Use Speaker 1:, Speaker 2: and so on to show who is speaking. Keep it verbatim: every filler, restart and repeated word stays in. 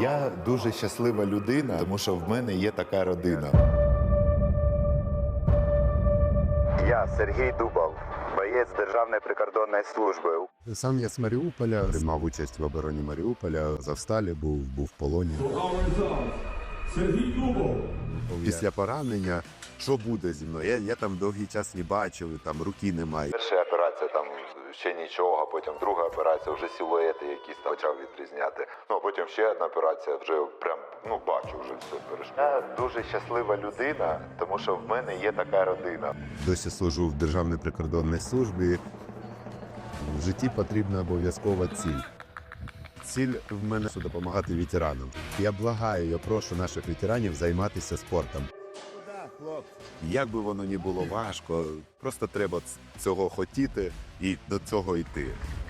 Speaker 1: Я дуже щаслива людина, тому що в мене є така родина.
Speaker 2: Я Сергій Дубов, боєць Державної прикордонної служби.
Speaker 3: Сам я з Маріуполя, приймав участь в обороні Маріуполя, Завсталі був, був в полоні.
Speaker 4: Сергій Дубов.
Speaker 3: Після поранення, що буде зі мною? Я, я там довгий час не бачив, там руки немає.
Speaker 1: Перша операція там ще нічого, потім друга операція, вже силуети якісь там почав відрізняти. Ну, а потім ще одна операція, вже прям, ну, бачу вже все перейшло. Я дуже щаслива людина, тому що в мене є така родина.
Speaker 3: Досі служу в Державній прикордонній службі. В житті потрібна обов'язкова ціль. Ціль в мене – допомагати ветеранам. Я благаю, я прошу наших ветеранів займатися спортом. Як би воно не було важко, просто треба цього хотіти і до цього йти.